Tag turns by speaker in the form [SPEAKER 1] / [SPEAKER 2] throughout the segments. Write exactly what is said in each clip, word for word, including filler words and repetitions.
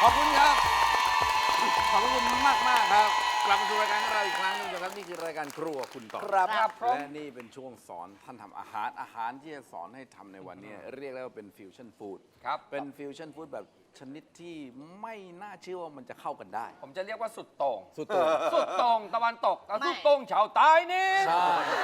[SPEAKER 1] อบคุณครับขอบคุณมากมากครับกลับมาสู่รายการของเราอีกครั้งหนึงนะครับนี่คือรายการครัวคุณต่อ
[SPEAKER 2] ครับครับผม
[SPEAKER 1] และนี่เป็นช่วงสอนท่านทำอาหารอาหารที่จะสอนให้ทำในวันนี้ เรียกได้ว่าเป็นฟิวชั่นฟู้ด
[SPEAKER 2] ครับ
[SPEAKER 1] เป็นฟิวชั่นฟู้ดแบบชนิดที่ไม่น่าเชื่อว่ามันจะเข้ากันได้
[SPEAKER 2] ผมจะเรียกว่าสุดโต่ง
[SPEAKER 1] สุดโต่ง
[SPEAKER 2] สุดโต่งตะวันตกกับ
[SPEAKER 3] ไม่
[SPEAKER 2] สุดโต่งชาวใต้นี่
[SPEAKER 1] ใช่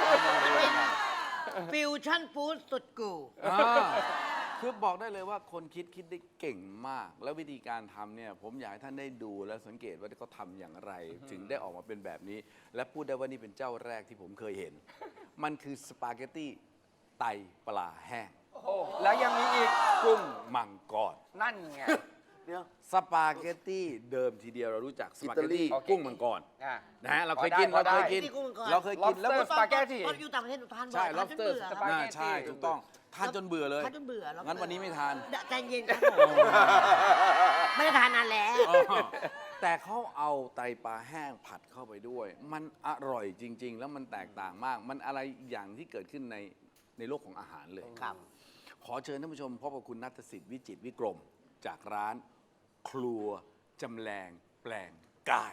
[SPEAKER 3] ฟิวชั่นฟู้ดสุดกู
[SPEAKER 1] อ่าคือบอกได้เลยว่าคนคิดคิดได้เก่งมาก แล้ววิธีการทำเนี่ยผมอยากให้ท่านได้ดูและสังเกตว่าเขาทำอย่างไร ถึงได้ออกมาเป็นแบบนี้ และพูดได้ว่านี่เป็นเจ้าแรกที่ผมเคยเห็น มันคือสปาเกตตี้ไตปลาแห้ง
[SPEAKER 2] โอ้แล้วยังมีอีก
[SPEAKER 1] กุ้งมังกร
[SPEAKER 2] นั่นไง
[SPEAKER 4] เดี๋ยว
[SPEAKER 1] สปาเกตตี้เดิมทีเดียวเรารู้จักสปาเกตตี้
[SPEAKER 2] อิตาลี
[SPEAKER 1] กุ้งมังกร
[SPEAKER 2] อ่ะ
[SPEAKER 1] นะฮะเราเคย
[SPEAKER 2] พอได้
[SPEAKER 1] กิน
[SPEAKER 2] พอ
[SPEAKER 1] เรา
[SPEAKER 2] ได้
[SPEAKER 1] เคยกิน
[SPEAKER 3] ที่กุ้งมังกร
[SPEAKER 1] เราเคยกินแล้ว
[SPEAKER 2] Lobster สปาเกตตี้
[SPEAKER 3] ตอนอยู่ต่างประเทศหนูทานบ่อย
[SPEAKER 1] ใช่
[SPEAKER 3] ทานจน
[SPEAKER 1] lobster
[SPEAKER 3] เบื่อ
[SPEAKER 2] ส
[SPEAKER 3] ครับ
[SPEAKER 2] ปาเกตตี้
[SPEAKER 1] น่าใช่ถูกต้องทานจนเบื่อเลย
[SPEAKER 3] ทานจนเบื่อ lobster
[SPEAKER 1] งั้นวันนี้ไม่ทาน
[SPEAKER 3] ใจเย็นครับผม ไม่ได้ทานนานแล้ว
[SPEAKER 1] เออแต่เขาเอาไตปลาแห้งผัดเข้าไปด้วย มันอร่อยจริง ๆ แล้วมันแตกต่างมาก มันอะไรอย่างที่เกิดขึ้นในในโลกของอาหารเลย
[SPEAKER 3] ครับ
[SPEAKER 1] ขอเชิญท่านผู้ชมพบกับคุณณัฐสิทธิ์วิจิตรวิกรม จากร้านครัวจำแรงแปลงกาย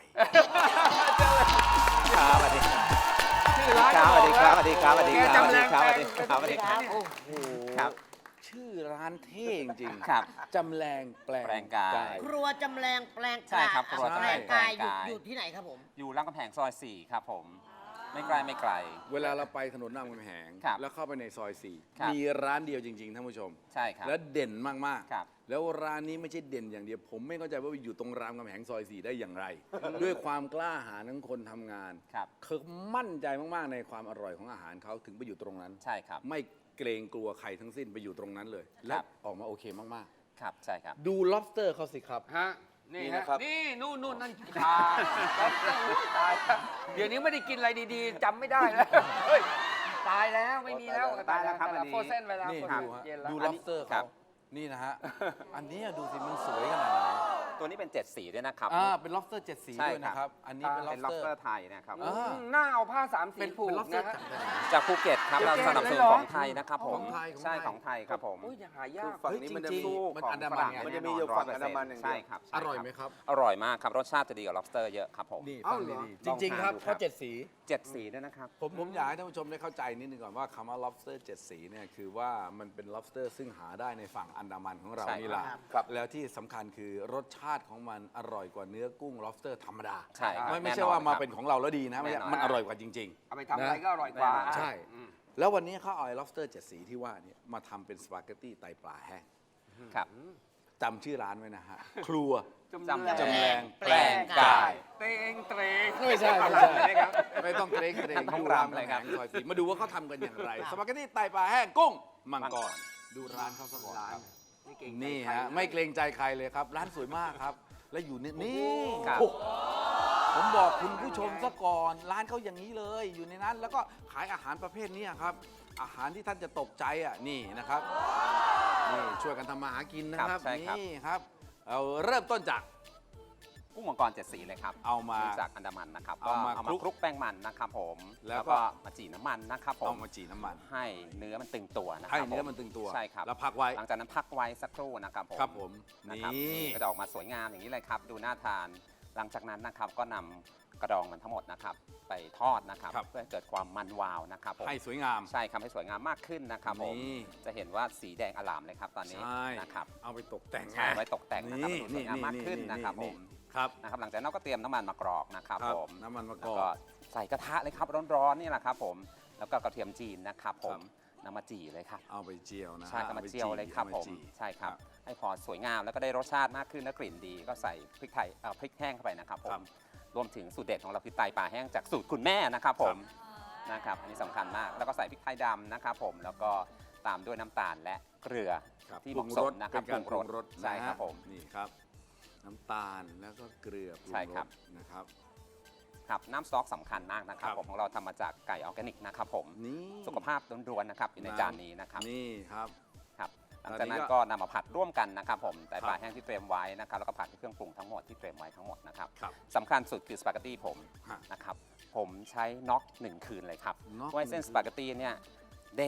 [SPEAKER 4] ครับสวัสดีครับ
[SPEAKER 2] ชื่อร้าน
[SPEAKER 4] ครับสวัสดีครับสวัสดีครับสวัสดี
[SPEAKER 2] แก
[SPEAKER 4] ครับ
[SPEAKER 2] จำแรง
[SPEAKER 4] ส
[SPEAKER 2] แปล
[SPEAKER 4] วัส
[SPEAKER 2] ง
[SPEAKER 4] ดีครับสวัสดีครับ
[SPEAKER 1] โอ้โห
[SPEAKER 4] ครับ
[SPEAKER 1] ชื่อร้านเท่จริงๆ
[SPEAKER 4] ครับ
[SPEAKER 1] จำแรงแปลง
[SPEAKER 4] แปลงกาย
[SPEAKER 3] ครัวจำแรงแปลง
[SPEAKER 4] ใช่ครับครัว
[SPEAKER 3] แปลง
[SPEAKER 4] จำแรง
[SPEAKER 3] กาย
[SPEAKER 4] แปลงกาย
[SPEAKER 3] อยู่อยู่ที่ไหนครับผม
[SPEAKER 4] อยู่รามคำแหงซอยสี่ครับผม ไม่ไกลไม่ไกล
[SPEAKER 1] เวลาเราไปถนนรามคำแหง
[SPEAKER 4] ครับ
[SPEAKER 1] แล้วเข้าไปในซอยสี่
[SPEAKER 4] ครับ
[SPEAKER 1] มีร้านเดียวจริงๆท่านผู้ชม
[SPEAKER 4] ใช่ครับ
[SPEAKER 1] แล้วเด่นมาก
[SPEAKER 4] ครับ
[SPEAKER 1] ๆ แล้วร้านนี้ไม่ใช่เด่นอย่างเดียว ผมไม่เข้าใจว่าอยู่ตรงรามคำแหงซอยสี่ได้อย่างไร ด้วยความกล้าหาญของคนทำงาน
[SPEAKER 4] ครับ
[SPEAKER 1] เขามั่นใจมากๆในความอร่อยของอาหารเขาถึงไปอยู่ตรงนั้น
[SPEAKER 4] ใช่ครับ
[SPEAKER 1] ไม่เกรงกลัวใครทั้งสิ้นไปอยู่ตรงนั้นเลย และออกมาโอเคมาก
[SPEAKER 4] ครับใช่ครับ
[SPEAKER 1] ๆ ดู lobster เขาสิครับ
[SPEAKER 2] ฮะนี่
[SPEAKER 1] นี่
[SPEAKER 2] ฮะ
[SPEAKER 1] นะครับ
[SPEAKER 2] นี่นู่นนู่นนั่นขาตายแล้วเดี๋ยวนี้ไม่ได้กินอะไรดีๆจำไม่ได้แล้วเฮ้ยตายแล้วไม่มีแล้ว
[SPEAKER 4] ตายแล้วครับอันนี้
[SPEAKER 2] โฟเซนไปแล้ว
[SPEAKER 1] นี่
[SPEAKER 2] โฟเซ
[SPEAKER 1] ดู
[SPEAKER 2] น
[SPEAKER 1] ฮะ
[SPEAKER 2] เย็นแล้ว
[SPEAKER 1] ดู
[SPEAKER 2] อันนี้
[SPEAKER 1] lobster
[SPEAKER 4] ครั
[SPEAKER 1] เขา
[SPEAKER 4] บ
[SPEAKER 1] นี่นะฮะ อันนี้ดูสิมันสวยขนาดไหน
[SPEAKER 4] ตัวนี้เป็นเจ็ดสีด้วยนะครับ
[SPEAKER 1] อ่าเป็น lobster เจ็ดสี
[SPEAKER 4] ใช่
[SPEAKER 1] ด้วยนะครับ อันนี้เป็น
[SPEAKER 4] เป็น
[SPEAKER 1] lobster
[SPEAKER 4] lobster ไทยนะครับ
[SPEAKER 1] อ่า
[SPEAKER 2] หน้าเอาผ้าสามสี
[SPEAKER 1] เป็น
[SPEAKER 2] ผูก
[SPEAKER 1] เป็น lobster
[SPEAKER 2] นะฮะ
[SPEAKER 1] จากไหน
[SPEAKER 4] จากภูเก็ตครับ
[SPEAKER 2] ภู
[SPEAKER 4] เรา
[SPEAKER 2] เก็ต
[SPEAKER 4] สนับสนุน
[SPEAKER 2] เลยเหรอ
[SPEAKER 4] ของไทยนะครับผม
[SPEAKER 1] ของไทยของไทย
[SPEAKER 4] ใช่ของไทยครับผม
[SPEAKER 2] โอ้ยยังหายาก
[SPEAKER 4] ฝั่งนี้มันจะ
[SPEAKER 1] จริงๆ
[SPEAKER 4] สู้
[SPEAKER 1] มัน
[SPEAKER 4] ของ
[SPEAKER 1] อันดา
[SPEAKER 4] ฝ
[SPEAKER 1] มัน
[SPEAKER 4] รั่ง
[SPEAKER 1] ไง
[SPEAKER 4] แ
[SPEAKER 1] มันจะ
[SPEAKER 4] น่น
[SPEAKER 1] มี
[SPEAKER 4] น
[SPEAKER 1] อยู่ฝั่ง
[SPEAKER 4] ร้
[SPEAKER 1] อันดามันอย่างเดียว
[SPEAKER 4] ใช่ครับ
[SPEAKER 1] อร่อยไหมครับ
[SPEAKER 4] อร่อยมากครับ รสชาติจะดีกว่า lobster เยอะครับผม
[SPEAKER 1] นี่
[SPEAKER 2] เอ้า
[SPEAKER 1] ฟัง
[SPEAKER 2] เหรอ
[SPEAKER 1] ดีๆจริง ๆ ครับ
[SPEAKER 4] ลองทานดูครับ
[SPEAKER 1] เพราะเจ็ดสี
[SPEAKER 4] เจ็ดสีด้วยนะครับ
[SPEAKER 1] ผมผมอยากให้ท่านผู้ชมได้เข้าใจนิดนึงก่อนว่าคำว่า lobster เจ็ดสีเนี่ยคือว่ามันเป็น lobster ซึ่งหาได้ในฝั่งอันดามันของเรา
[SPEAKER 4] ใช่
[SPEAKER 1] นี่แหละ
[SPEAKER 3] ครับ
[SPEAKER 1] แล้วที่สำคัญคือรสชาติของมันอร่อยกว่าเนื้อกุ้ง lobster ธรรมดา
[SPEAKER 4] ใช่ครับ
[SPEAKER 1] ไม่ไม่
[SPEAKER 4] แน่นอน
[SPEAKER 1] ใช่ว่ามา
[SPEAKER 4] ครับ
[SPEAKER 1] เป็นของเราแล้วดีนะไม่ใช่
[SPEAKER 4] แน่นอน
[SPEAKER 1] มันอร่อยกว่าจริง
[SPEAKER 2] เอาไปทำอะไรก็อร่อยกว่า
[SPEAKER 1] ใช่
[SPEAKER 2] อืม
[SPEAKER 1] ๆ แล้ววันนี้เขาเอาไอ้ lobster เจ็ดสีที่ว่าเนี่ยมาทำเป็นสปาเกตตี้ไตปลาแห้ง
[SPEAKER 4] ครับ
[SPEAKER 1] จำชื่อร้านไว้นะฮะ ครัว
[SPEAKER 2] จำ
[SPEAKER 4] จำ
[SPEAKER 2] แรง
[SPEAKER 1] จำแรงแปลงกาย
[SPEAKER 2] เตงเตรง
[SPEAKER 1] ไม่ใช่ไม่ใช่ไม่ต้องเกรงเกรง
[SPEAKER 4] ต้อง
[SPEAKER 1] ดู
[SPEAKER 4] รำ
[SPEAKER 1] ราม
[SPEAKER 4] เลยครับ
[SPEAKER 1] แหงซอยสีมาดูว่าเขาทำกันอย่างไร สปาเกตตี้ไตปลาแห้งกุ้งมังกรดูร้านเขาสักก่อนครับ
[SPEAKER 2] นี่เก่ง
[SPEAKER 1] นี่ฮะไม่เกรงใจใครเลยครับ ร้านสวยมากครับ และอยู่นี่นี่
[SPEAKER 4] ครับ
[SPEAKER 1] โอ้ผมบอกคุณผู้ชมซะก่อน ร้านเขาอย่างนี้เลย อยู่ในนั้น แล้วก็ขายอาหารประเภทนี้ครับ อาหารที่ท่านจะตกใจอ่ะนี่นะครับนี่ช่วยกันทำมาหากินนะครับ
[SPEAKER 4] ครับใช่ครับ
[SPEAKER 1] นี่ครับเอาเริ่มต้นจาก
[SPEAKER 4] กุ้งมังกรเจ็ดสีเลยครับ
[SPEAKER 1] เอามา
[SPEAKER 4] จากอันดามันนะครับ
[SPEAKER 1] เอามา
[SPEAKER 4] ก็เอามา
[SPEAKER 1] คลุก
[SPEAKER 4] คลุกแป้งมันนะครับผม
[SPEAKER 1] แล้วก็
[SPEAKER 4] แล้วก็มาจี่น้ำมันนะครับผ
[SPEAKER 1] เอา
[SPEAKER 4] ม
[SPEAKER 1] มาจีน้ำมัน
[SPEAKER 4] ให้เนื้อมันตึงตัวนะค
[SPEAKER 1] ให้
[SPEAKER 4] รับ
[SPEAKER 1] เนื้อ
[SPEAKER 4] ผ
[SPEAKER 1] มันตึงตัว
[SPEAKER 4] ใช่ครับ
[SPEAKER 1] แล้วพักไว้
[SPEAKER 4] หลังจากนั้นพักไว้สักครู่นะครับผม
[SPEAKER 1] ครับผม
[SPEAKER 4] นะครับ
[SPEAKER 1] นี่
[SPEAKER 4] ก็จะออกมาสวยงามอย่างนี้เลยครับ ดูน่าทาน หลังจากนั้นนะครับก็นำกระดองมันทั้งหมดนะครับ ไปทอดนะครับ
[SPEAKER 1] ครับ
[SPEAKER 4] เพื่อให้เกิดความมันวาวนะครับผม
[SPEAKER 1] ให้สวยงาม
[SPEAKER 4] ใช่ครับให้สวยงามมากขึ้นนะครับผม
[SPEAKER 1] นี่
[SPEAKER 4] จะเห็นว่าสีแดงอลามเลยครับตอนนี้
[SPEAKER 1] ใช่
[SPEAKER 4] นะครับ
[SPEAKER 1] เอาไปตกแต่ง
[SPEAKER 4] ใช่ไว้ตกแต่งนะครับให้ดูสวยงามมากขึ้นนะครับผม
[SPEAKER 1] ครับ
[SPEAKER 4] นะครับหลังจากนั้นเราก็เตรียมน้ำมันมากรอกนะครับ
[SPEAKER 1] ครับ
[SPEAKER 4] ผม
[SPEAKER 1] น้ำมันมะก
[SPEAKER 4] แล้ว
[SPEAKER 1] อก
[SPEAKER 4] ก็ใส่กระทะเลยครับร้อนๆนี่แหละครับผมแล้วก็กระเทียมจีนนะครับผม
[SPEAKER 1] ครับ
[SPEAKER 4] นำมาจี่เลยครับ
[SPEAKER 1] เอาไปเจียวนะ
[SPEAKER 4] ใช่ครับมาเจียวเลยครับ
[SPEAKER 1] อา
[SPEAKER 4] ผ
[SPEAKER 1] ไป
[SPEAKER 4] ม
[SPEAKER 1] จี่
[SPEAKER 4] ใช่ครับให้พอสวยงามแล้วก็ได้รสชาติมากขึ้นและกลิ่นดี ก็ใส่พริกไทยเอ่อพริกแห้งเข้าไปนะครับผมรวมถึงสูตรเด็ดของเราคือไตปลาแห้งจากสูตรคุณแม่นะครับผมนะครับอันนี้สำคัญมากแล้วก็ใส่พริกไทยดำนะครับผมแล้วก็ตามด้วยน้ำตาลและเกลือ
[SPEAKER 1] ครับ
[SPEAKER 4] ที่
[SPEAKER 1] ป
[SPEAKER 4] เห
[SPEAKER 1] รุง
[SPEAKER 4] มาะส
[SPEAKER 1] ร
[SPEAKER 4] ม
[SPEAKER 1] ส
[SPEAKER 4] นะค
[SPEAKER 1] เป็
[SPEAKER 4] รับ
[SPEAKER 1] นการปรุงรส
[SPEAKER 4] ใช่ครับผม
[SPEAKER 1] นี่ครับ น้ำตาลแล้วก็เกลือปรุง
[SPEAKER 4] ใช่
[SPEAKER 1] ร
[SPEAKER 4] ครับ
[SPEAKER 1] สนะครับ
[SPEAKER 4] ครับน้ำสต๊อกสำคัญมากนะครับ
[SPEAKER 1] ครับ
[SPEAKER 4] ผมของเราทำมาจากไก่ออร์แกนิกนะครับผม
[SPEAKER 1] นี่
[SPEAKER 4] สุขภาพล้วนๆนะครับอยู่ในจานนี้นะครับ
[SPEAKER 1] นี่ครับ
[SPEAKER 4] ครับหลังจากนั้น
[SPEAKER 1] ตอนนี้ก็
[SPEAKER 4] ก็นำมาผัดร่วมกันนะครับผมไตปลา
[SPEAKER 1] ครับ
[SPEAKER 4] แห้งที่เตรียมไว้นะครับแล้วก็ผัดด้วยเครื่องปรุงทั้งหมดที่เตรียมไว้ทั้งหมดนะครับ
[SPEAKER 1] ครับ
[SPEAKER 4] สำคัญสุดคือสปาเกตตี้ผม
[SPEAKER 1] ฮะ
[SPEAKER 4] นะครับผมใช้น็อกหนึ่งคืนเลยครับ
[SPEAKER 1] น็อก
[SPEAKER 4] เพื่อให้เส้น
[SPEAKER 1] หนึ่งคืน
[SPEAKER 4] สปาเกตตี้เนี่ยเด้ง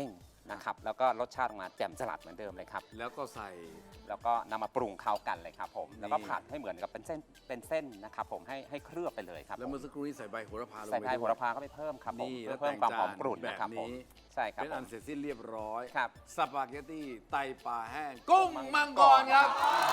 [SPEAKER 4] นะครับแล้วก็รสชาติออกมาแจ่มสลัดเหมือนเดิมเลยครับ
[SPEAKER 1] แล้วก็ใส่
[SPEAKER 4] แล้วก็นำมาปรุงเข้ากันเลยครับผมแล้วก็
[SPEAKER 1] นี่
[SPEAKER 4] ผัดให้เหมือนกับเป็นเส้นเป็นเส้นนะครับผมให้ให้เคลือบไปเลยครับ
[SPEAKER 1] แล้ว
[SPEAKER 4] ผม
[SPEAKER 1] เมื่อสักครู่นี้ใส่ใบโหระพาลง
[SPEAKER 4] ใส่
[SPEAKER 1] ไป
[SPEAKER 4] ใบ
[SPEAKER 1] ด้วย
[SPEAKER 4] โหระพาเข้าไปเพิ่มครับผม
[SPEAKER 1] นี่
[SPEAKER 4] เพื่
[SPEAKER 1] แล้
[SPEAKER 4] อ
[SPEAKER 1] ว
[SPEAKER 4] เพิ่มความหอมกรุ่น
[SPEAKER 1] แต่ง
[SPEAKER 4] นะครับ
[SPEAKER 1] จาน
[SPEAKER 4] ผม
[SPEAKER 1] นี้
[SPEAKER 4] ใช่ครับ
[SPEAKER 1] เป็น
[SPEAKER 4] ผ
[SPEAKER 1] อั
[SPEAKER 4] ม
[SPEAKER 1] นเสร็จสิ้นเรียบร้อย
[SPEAKER 4] ครับ
[SPEAKER 1] สปาเกตตี้ไตปลาแห้ง กุ้งมังกรครับ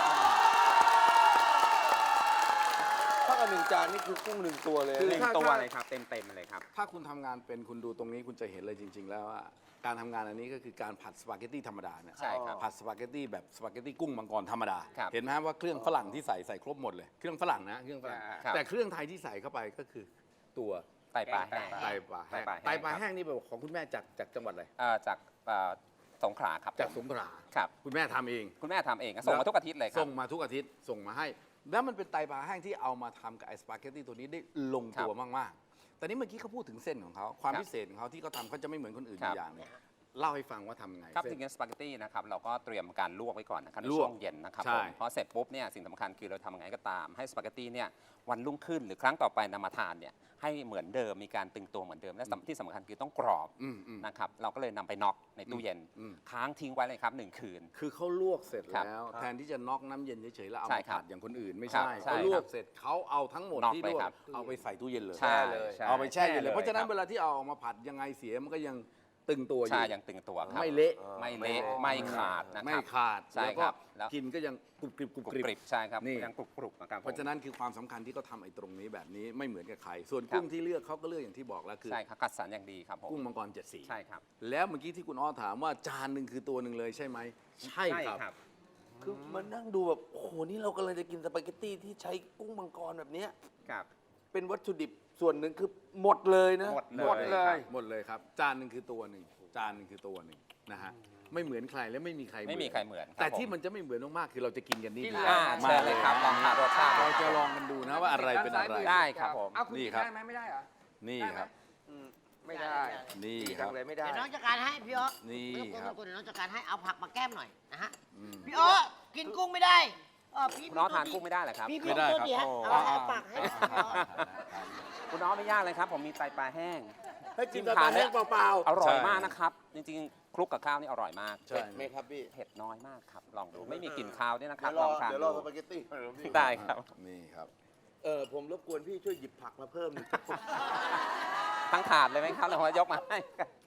[SPEAKER 5] ถ้ากับหนึ่งจานนี่คือกุ้งหนึ่งตัวเลย
[SPEAKER 1] คือ
[SPEAKER 4] หนึ่ง
[SPEAKER 1] ถ้า
[SPEAKER 4] ตัว
[SPEAKER 1] ถ้า
[SPEAKER 4] เลยครับเต็มเต็มๆเลยครับ
[SPEAKER 1] ถ้าคุณทำงานเป็นคุณดูตรงนี้คุณจะเห็นเลยจริง ๆ แล้วว่าการทำงานอันนี้ก็คือการผัดสปาเกตตี้ธรรมดาเนี่ย
[SPEAKER 4] ใช่ครับ
[SPEAKER 1] ผัดสปาเกตตี้แบบสปาเกตตี้กุ้งมังกรธรรมดา
[SPEAKER 4] ครับ
[SPEAKER 1] เห็นไหมฮะว่าเครื่องฝรั่งที่ใส่ใส่ครบหมดเลยเครื่องฝรั่งนะเครื่องฝรั่ง
[SPEAKER 4] ครับ
[SPEAKER 1] แต่เครื่องไทยที่ใส่เข้าไปก็คือตัว
[SPEAKER 4] ไตปลาแห้ง
[SPEAKER 1] ไตปลาแห้ง
[SPEAKER 4] ไต
[SPEAKER 1] ไต
[SPEAKER 4] ป
[SPEAKER 1] ป
[SPEAKER 4] ลา
[SPEAKER 1] ลา
[SPEAKER 4] แห้ง
[SPEAKER 1] แห้งนี่เป็นของคุณแม่จากจากจังหวัดอะไร
[SPEAKER 4] เอ่อจากเอ่อสงขลาครับ
[SPEAKER 1] จากสงขลา
[SPEAKER 4] ครับ
[SPEAKER 1] คุณแม่ทำเอง
[SPEAKER 4] คุณแม่ทำเองส่งมาทุกอาทิตย์เลยครั
[SPEAKER 1] ส่
[SPEAKER 4] บ
[SPEAKER 1] งมาทุกอาทิตย์ส่งมาให้ แล้วมันเป็นไตปลาแห้งที่เอามาทำกับไอสปาเกตตี้ตัวนี้ได้ลงตัวมากๆ แต่นี่เมื่อกี้เขาพูดถึงเส้นของเขาความ
[SPEAKER 4] ครับ
[SPEAKER 1] พิเศษของเขาที่เขาทำเขาจะไม่เหมือนคนอื่น
[SPEAKER 4] ค
[SPEAKER 1] อ
[SPEAKER 4] รับ
[SPEAKER 1] ยู่อย่างหนึงเล่าให้ฟังว่าทำไง
[SPEAKER 4] ครับ
[SPEAKER 1] เส้
[SPEAKER 4] จ
[SPEAKER 1] น
[SPEAKER 4] ริงๆสปาเกตตี้นะครับเราก็เตรียมการลวกไว้ก่อนนะครับใน
[SPEAKER 1] ลวก
[SPEAKER 4] ช่วงเย็นนะครับ
[SPEAKER 1] ใช่
[SPEAKER 4] ผมพอเสร็จปุ๊บเนี่ยสิ่งสำคัญคือเราทำยังไงก็ตามให้สปาเกตตี้เนี่ยวันรุ่งขึ้นหรือครั้งต่อไปนำมาทานเนี่ยให้เหมือนเดิมมีการตึงตัวเหมือนเดิมและสำที่สำคัญคือต้องกรอบ
[SPEAKER 1] อืมอืม
[SPEAKER 4] นะครับเราก็เลยนำไปน็อกในตู้เย็น
[SPEAKER 1] อืม
[SPEAKER 4] ค้างทิ้งไว้เลยครับหนึ่งคืน
[SPEAKER 1] คือเขาลวกเสร็จ
[SPEAKER 4] ครับ
[SPEAKER 1] แล้ว แทนที่จะน็อกน้ำเย็นเฉยๆแล้วเอา
[SPEAKER 4] ใช่
[SPEAKER 1] มา
[SPEAKER 4] ครับ
[SPEAKER 1] ผัดอย่างคนอื่นไม่
[SPEAKER 4] ครั
[SPEAKER 1] ใช่
[SPEAKER 4] บใช่
[SPEAKER 1] เขาลว
[SPEAKER 4] ครั
[SPEAKER 1] ก
[SPEAKER 4] บ
[SPEAKER 1] เสร็จเขาเอาทั้งหมด
[SPEAKER 4] น็อก
[SPEAKER 1] ที่
[SPEAKER 4] เล
[SPEAKER 1] ล
[SPEAKER 4] ยว
[SPEAKER 1] ก
[SPEAKER 4] ครับ
[SPEAKER 1] เอาไปใส่ตู้เย็นเลย
[SPEAKER 4] ใช่
[SPEAKER 5] เลย
[SPEAKER 4] ใช่
[SPEAKER 1] เอาไปแช่เย็นเลย
[SPEAKER 4] แช่
[SPEAKER 1] เพราะฉะนั้น
[SPEAKER 4] คบ
[SPEAKER 1] เวลาที่เอาออกมาผัดยังไงเสียมันก็ยังตึงตัวอ
[SPEAKER 4] ใช่
[SPEAKER 1] ยู่
[SPEAKER 4] ยังตึงตัวครับ
[SPEAKER 1] ไม่เละ
[SPEAKER 4] ไม่เละไม่ขาดนะค
[SPEAKER 1] ไม่
[SPEAKER 4] รับ
[SPEAKER 1] ขาด
[SPEAKER 4] ใช่
[SPEAKER 1] แล้ว
[SPEAKER 4] ค
[SPEAKER 1] ก็
[SPEAKER 4] รับแล้ว
[SPEAKER 1] กินก็ยังกรุบกริบกรุบ
[SPEAKER 4] กรุบ
[SPEAKER 1] กริบ
[SPEAKER 4] กริบใช่ครับ
[SPEAKER 1] นี่
[SPEAKER 4] ยังกรุบกรุบนะครับผม
[SPEAKER 1] เพราะฉะนั้นคือความสำคัญที่เขาทำไอ้ตรงนี้แบบนี้ไม่เหมือนกับใคร ส่วน
[SPEAKER 4] ครับ
[SPEAKER 1] กุ้งที่เลือกเขาก็เลือกอย่างที่บอกแล้วคือ
[SPEAKER 4] ใช่ครับคัดสรรอย่างดีครับผม
[SPEAKER 1] กุ้งมังกรเจ็ดสี
[SPEAKER 4] ใช่ครับ
[SPEAKER 1] แล้วเมื่อกี้ที่คุณอ้อถามว่าจานหนึ่งคือตัวหนึ่งเลยใช่ไหมใช่ครับ
[SPEAKER 5] คือมันนั่งดูแบบโอ้โหนี่เรากำลังจะกินสปาเกตตี้ที่ใช้กุ้งมังกรแบบเนี้ย
[SPEAKER 4] ครับ
[SPEAKER 5] เป็นวัตถุดิบส่วนหนึ่งคือหมดเลยนะ
[SPEAKER 4] หมด
[SPEAKER 2] หมดเลย
[SPEAKER 1] หมดเลยครับ จานหนึ่งคือตัวหนึ่งจานหนึ่งคือตัวหนึ่งนะฮะไม่เหมือนใครและไม่มีใคร
[SPEAKER 4] ไม่มีใครเหมือนครับ
[SPEAKER 1] แต่ที่
[SPEAKER 4] ผม
[SPEAKER 1] มันจะไม่เหมือนมากๆคือเราจะกินกันนี่
[SPEAKER 2] กิน
[SPEAKER 1] ดี
[SPEAKER 2] เลย
[SPEAKER 4] อ่าเชิญเลยครับลองทานรสชาติ
[SPEAKER 1] เราจะลองกันดูนะว่าอะไรเป็นอะไร
[SPEAKER 4] ได้ครับผม
[SPEAKER 2] เอาคุณ
[SPEAKER 1] นี่
[SPEAKER 2] กิน
[SPEAKER 1] ครับ
[SPEAKER 2] ได้ไหมไม่ได้เหรอ
[SPEAKER 1] นี่
[SPEAKER 2] ได้ไหม
[SPEAKER 1] ครับ
[SPEAKER 5] อืม
[SPEAKER 2] ไม่ได้
[SPEAKER 1] นี่
[SPEAKER 5] ดี
[SPEAKER 1] ค
[SPEAKER 5] จั
[SPEAKER 1] รับ
[SPEAKER 5] งเลยไม่ได้
[SPEAKER 3] เดี๋ยวน้องจัดการให้พี่อ๊อ
[SPEAKER 1] นี่
[SPEAKER 3] ไม่ต้อง
[SPEAKER 1] ครับ
[SPEAKER 3] กลัวเดี๋ยวน้องจัดการให้เอาผักมาแก้มหน่อยนะฮะ
[SPEAKER 1] อืม
[SPEAKER 3] พี่อ๊อกินกุ้งไม่ได้เออพี่
[SPEAKER 4] คุณน้องทานกุ้งไม่ได้เหรอครับ
[SPEAKER 3] พี่
[SPEAKER 1] ไม่ได้
[SPEAKER 3] ตัว
[SPEAKER 1] ครับ
[SPEAKER 3] ดีฮะ
[SPEAKER 1] โอ้
[SPEAKER 3] เอาเอาปากให้พี่อ๊อ
[SPEAKER 4] คุณน้องไม่ยากเลยครับ ผมมีไตปลาแห้ง
[SPEAKER 5] ให้กินสปาแห้งเปล่า
[SPEAKER 4] อร่อยมากนะครับ จริงๆคลุกกับข้าวนี่อร่อยมาก
[SPEAKER 5] ๆ
[SPEAKER 1] ใช่
[SPEAKER 5] เผ็ดไหมครับพี่
[SPEAKER 4] เผ็ดน้อยมากครับ ลองดู ไม่มีกลิ่นคาวด้วยนะครับ
[SPEAKER 5] เดี๋ยวร
[SPEAKER 4] ล
[SPEAKER 5] อ
[SPEAKER 4] องทาน
[SPEAKER 5] เดี๋ยวร
[SPEAKER 4] ดู
[SPEAKER 5] อสปาเกตตี้ก่อนพี่
[SPEAKER 4] ได้ครับ
[SPEAKER 1] นี่ครับ
[SPEAKER 5] เออผมรบกวนพี่ช่วยหยิบผักมาเพิ่มหนึ่ง
[SPEAKER 4] ทั้งถาดเลยไหมครับหรือว่ายกมาให้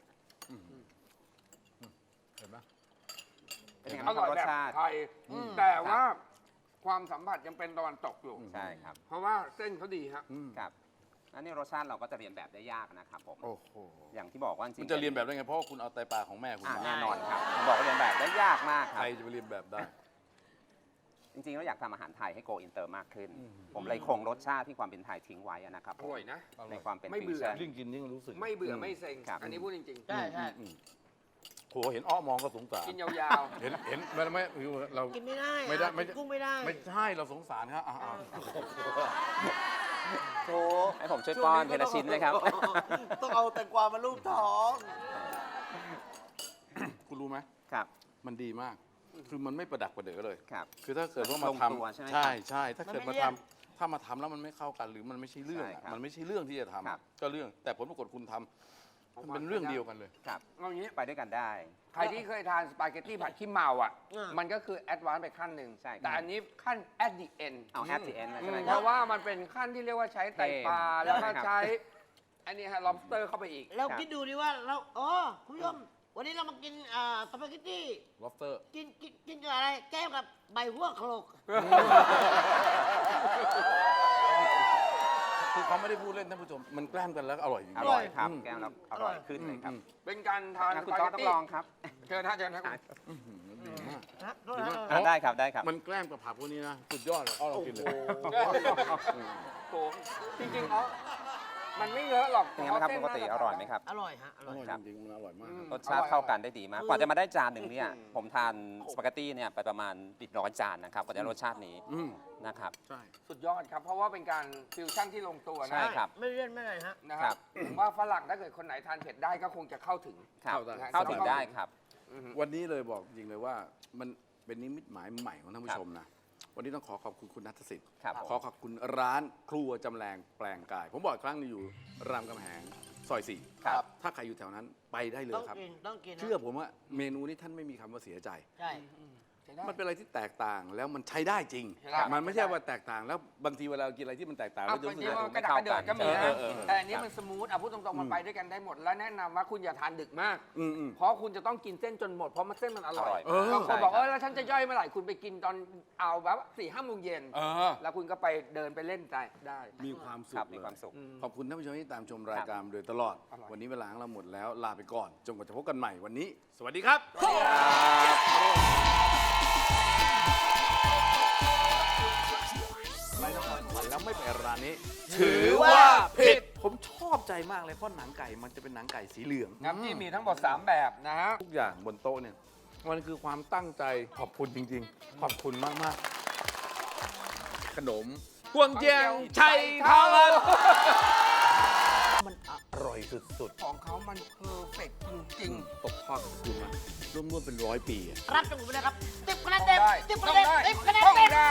[SPEAKER 1] เห็นไหม
[SPEAKER 4] เป็นยังไง
[SPEAKER 2] อ
[SPEAKER 4] ค
[SPEAKER 2] ร่
[SPEAKER 4] รั
[SPEAKER 2] อบ ย
[SPEAKER 4] รส
[SPEAKER 2] แบบ
[SPEAKER 4] ชาติ
[SPEAKER 2] ไทยแต่ว่าความสัมผัสยังเป็นตะวันตกอยู่
[SPEAKER 4] ใช่ครับ
[SPEAKER 2] เพราะว่าเส้นเขาดีฮะ
[SPEAKER 1] อืม
[SPEAKER 4] ครับอันนี้รสชาติเราก็จะเรียนแบบได้ยากนะครับผม
[SPEAKER 1] โอ้โห
[SPEAKER 4] อย่างที่บอกว่าจริงๆ
[SPEAKER 1] มันจะเรียนแบบได้ไงเพราะว่าคุณเอาไตปลาของแม่คุณ
[SPEAKER 4] อ่า
[SPEAKER 1] มา
[SPEAKER 4] แน่นอนครับผมบอกว่าเรียนแบบได้ยากมากค
[SPEAKER 1] ใค
[SPEAKER 4] รั
[SPEAKER 1] ร
[SPEAKER 4] บ
[SPEAKER 1] จะไปเรียนแบบได้
[SPEAKER 4] จริงๆเราอยากทำอาหารไทยให้โกอินเตอร์มากขึ้น
[SPEAKER 1] อืม
[SPEAKER 4] ผมเลยคงรสชาติที่ความเป็นไทยทิ้งไว้อะนะครับ
[SPEAKER 2] อร่อยนะ
[SPEAKER 4] ในความเป็น
[SPEAKER 2] ไม่เบื่อ
[SPEAKER 4] ฟิวชั่น
[SPEAKER 1] ยิ่งกินยิ่งรู้สึก
[SPEAKER 2] ไม่เบื่อไม่เซ็ง
[SPEAKER 4] ครับ
[SPEAKER 2] อันนี้พูดจริง
[SPEAKER 3] ใช่ใช่
[SPEAKER 1] อืมโหเห็นอ้อมองก็สงสาร
[SPEAKER 2] ๆ กินยาว
[SPEAKER 1] เห็นเห็นไม่ไม่เรา
[SPEAKER 3] กินไม่ได้
[SPEAKER 1] ไม่ได้
[SPEAKER 3] อ่ะ
[SPEAKER 1] ไม่
[SPEAKER 3] กินกุ้งไม่ได้
[SPEAKER 1] ไม่ใช่เราสงสารครับอ่า
[SPEAKER 5] โถ
[SPEAKER 4] ให้ผมช่วยป้อนเทละชิ้นเลยครับ
[SPEAKER 5] ต้องเอาแตงกวามาลูบท้อง
[SPEAKER 1] คุณรู้ไหม
[SPEAKER 4] ครับ
[SPEAKER 1] มันดีมาก คือมันไม่ประดักประเดอเลย
[SPEAKER 4] ครับ
[SPEAKER 1] คือถ้าเกิดว่า
[SPEAKER 4] มั
[SPEAKER 1] มาน
[SPEAKER 4] ลงตัว
[SPEAKER 1] ทำ
[SPEAKER 4] ใช่ไหม
[SPEAKER 1] ใช่
[SPEAKER 4] ครับ
[SPEAKER 1] ใช่ถ้าเกิด
[SPEAKER 3] มัน
[SPEAKER 1] มา
[SPEAKER 3] ไม่
[SPEAKER 1] ทำ
[SPEAKER 3] เลี่ยน
[SPEAKER 1] ถ้ามาทำแล้วมันไม่เข้ากันหรือมันไม่ใช่เรื่อง
[SPEAKER 4] ใช่
[SPEAKER 1] อะ
[SPEAKER 4] ครับ
[SPEAKER 1] มันไม่ใช่เรื่องที่จะทำ
[SPEAKER 4] ครับ
[SPEAKER 1] ก็เรื่อง แต่ผลปรากฏคุณทำมันเป็นเรื่องเดียวกันเลย
[SPEAKER 4] ครับ
[SPEAKER 2] ๆเอางี้
[SPEAKER 4] ไปด้วยกันได้
[SPEAKER 2] ใครที่เคยทานสปาเกตตี้ผัดขี้เมาอ่ะ
[SPEAKER 3] อ่ามั
[SPEAKER 2] มันก็คือแอดวานซ์ไปขั้นหนึ่ง
[SPEAKER 4] ใช่ครับ
[SPEAKER 2] แต่อันนี้ขั้น at the end
[SPEAKER 4] เอา at the end เลย
[SPEAKER 2] อื
[SPEAKER 4] ใช่ไหม
[SPEAKER 2] ม
[SPEAKER 4] ค
[SPEAKER 2] เพ
[SPEAKER 4] รับ
[SPEAKER 2] ราะว่ามันเป็นขั้นที่เรียกว่าใช้ไตปลา
[SPEAKER 4] เทม
[SPEAKER 2] แล้วก็
[SPEAKER 4] ครับ
[SPEAKER 2] ใช้ อันนี้ฮะ lobster เข้าไปอีก
[SPEAKER 3] เราคิดดูดิว่าเราอ๋อคุณผู้ชมวันนี้เรามากินอ่าสปาเกตตี้
[SPEAKER 1] lobster
[SPEAKER 3] กินกินกินกับอะไร แก้มกับใบหัวโขลก
[SPEAKER 1] คือเขาไม่ได้พูดเล่นท่านผู้ชม มันแกล้มกันแล้วก็อร่อยจริง
[SPEAKER 4] อ
[SPEAKER 1] ๆ
[SPEAKER 4] ร่อยครับ
[SPEAKER 1] อืม
[SPEAKER 4] แก้มแล้วอร่อยขึ้นเลยครับ
[SPEAKER 2] เป็นการทาน
[SPEAKER 4] งั้น
[SPEAKER 2] ส
[SPEAKER 4] คุณ
[SPEAKER 2] ปา
[SPEAKER 4] ต้อ
[SPEAKER 2] เก
[SPEAKER 4] ง
[SPEAKER 2] ต
[SPEAKER 4] ต้อง
[SPEAKER 2] ตี้
[SPEAKER 4] ลองครับ
[SPEAKER 2] เชิญฮะเชิญฮะ
[SPEAKER 1] อื้อหือดีมาก
[SPEAKER 3] นะโทษ
[SPEAKER 1] ดี
[SPEAKER 3] นะ
[SPEAKER 1] มาก
[SPEAKER 4] อ่ะได้ครับได้ครับ
[SPEAKER 1] มันแกล้มกับผักพวกนี้นะ สุดยอดเลยอ้อเรากินเลย
[SPEAKER 2] โอ้จริงๆเขามันไม่เยอะหรอก
[SPEAKER 4] เป็นไงบ้างครับปกติอร่อยไหมครับ
[SPEAKER 3] อร่อยฮะ อ
[SPEAKER 1] อ
[SPEAKER 3] ร่อย
[SPEAKER 1] ร่อย
[SPEAKER 4] ครับ
[SPEAKER 1] จริงๆมันอร่อยมากครับ
[SPEAKER 4] รสชาติเข้ากันได้ดีมาก กว่าจะมาได้จานหนึ่งเนี่ย ผมทานสปาเกตตี้เนี่ยไปประมาณติดร้อยจานนะครับ กว่าจะได้รสชาตินี้
[SPEAKER 1] อืม
[SPEAKER 4] นะครับ
[SPEAKER 1] ใช่
[SPEAKER 2] สุดยอดครับ เพราะว่าเป็นการฟิวชั่นที่ลงตัว
[SPEAKER 4] ใช่
[SPEAKER 2] นะ
[SPEAKER 4] ครับ
[SPEAKER 3] ไม่เลี่ยนไม่อะไรฮะ
[SPEAKER 2] นะค
[SPEAKER 4] ครั
[SPEAKER 2] รับบ ผมว่าฝรั่งถ้าเกิดคนไหนทานเผ็ดได้ก็คงจะเข้าถึง
[SPEAKER 4] ครับ
[SPEAKER 1] เข้าได้
[SPEAKER 4] เข้าถึงได้ครับ
[SPEAKER 2] อือฮึ
[SPEAKER 1] วันนี้เลยบอกจริงเลยว่ามันเป็นนิมิตหมายใหม่ของท่านผู้ชมนะ วันนี้ต้องขอขอบคุณคุณนัทสิทธิ์
[SPEAKER 4] ครับผม
[SPEAKER 1] ขอขอบคุณร้านครัวจำแรงแปลงกาย ผมบอกอีกครั้งหนึงอยู่รามคำแหงซอยสี่
[SPEAKER 4] ครับ
[SPEAKER 1] ถ้าใครอยู่แถวนั้นไปได้เลย
[SPEAKER 3] ต้อง
[SPEAKER 1] ครับ
[SPEAKER 3] กินต้องกินนะ
[SPEAKER 1] เชื่อผมว่าเมนูนี้ท่านไม่มีคำว่าเสียใจ
[SPEAKER 3] ใช่
[SPEAKER 1] มันเป็นอะไรที่แตกต่างแล้วมันใช้ได้จริง
[SPEAKER 2] ครับ
[SPEAKER 1] มันไม่ใช่ว่าแตกต่างแล้วบางทีเวลาเรากินอะไรที่มันแตกต่าง
[SPEAKER 2] เอา
[SPEAKER 1] แล้วจะ
[SPEAKER 2] บาง
[SPEAKER 1] รู้สึ
[SPEAKER 2] ที
[SPEAKER 1] กว่า
[SPEAKER 2] มันกระดาษกระเดิดก็มีนะ
[SPEAKER 1] เออเออเออ
[SPEAKER 2] แต่อันนี้มันสมูทอ่ะพูดตรงๆมันไปด้วยกันได้หมด แล้วแนะนำว่าคุณอย่าทานดึกมาก
[SPEAKER 1] อืมอืม
[SPEAKER 2] เพราะคุณจะต้องกินเส้นจนหมด เพราะมันเส้นมันอร่อย
[SPEAKER 4] อร่อย
[SPEAKER 1] เออ
[SPEAKER 2] บางคนบอก
[SPEAKER 4] ใช่
[SPEAKER 2] เออแล้วฉันจะย่อยเมื่อไหร่คุณไปกินตอนเอาแบบสี่ห้าโมงเย็น
[SPEAKER 1] เออ
[SPEAKER 2] แล้วคุณก็ไปเดินไปเล่นได้ได้
[SPEAKER 1] มีความสุ
[SPEAKER 4] ครั
[SPEAKER 1] ข
[SPEAKER 4] บมีความสุข
[SPEAKER 2] อืม
[SPEAKER 1] ขอบคุณท่านผู้ชมที่ตามชมรายการมาโดยตลอด
[SPEAKER 2] อร่อย
[SPEAKER 1] วันนี้เวลาของเราหมดแล้วลาไปก่อนจนกว่าจะพบกันใหม่วันนี้ สวัสดีครับ ไปนครสวรรค์แล้วไม่ไปร้านนี้ ถือว่าผิด ผมชอบใจมากเลยเพราะหนังไก่มันจะเป็นหนังไก่สีเหลือง
[SPEAKER 2] น้ำจิ้มมีทั้งหมดสามแบบนะฮะ
[SPEAKER 1] ทุกอย่างบนโต๊ะเนี่ยมันคือความตั้งใจขอบคุณจริง ๆ ขอบคุณมากมากๆขนมพวงเจียงชัยทาวันมันอร่อยสุด
[SPEAKER 2] ของเขามันเพอร์เฟกต์จริง
[SPEAKER 1] ๆตกทอดกับคุณมาร่วมๆเป็นร้อยปีอะ
[SPEAKER 3] รับจากผมไปเลยครับติบคะแนน
[SPEAKER 2] ๆต้
[SPEAKER 3] เต็
[SPEAKER 2] อง
[SPEAKER 3] ม
[SPEAKER 2] ได้
[SPEAKER 3] ติบ
[SPEAKER 2] ต้
[SPEAKER 3] คะ
[SPEAKER 2] อง
[SPEAKER 3] แนน
[SPEAKER 2] ได้
[SPEAKER 3] ติบคะแนน
[SPEAKER 2] ต้อง
[SPEAKER 3] เต็ม
[SPEAKER 2] ได้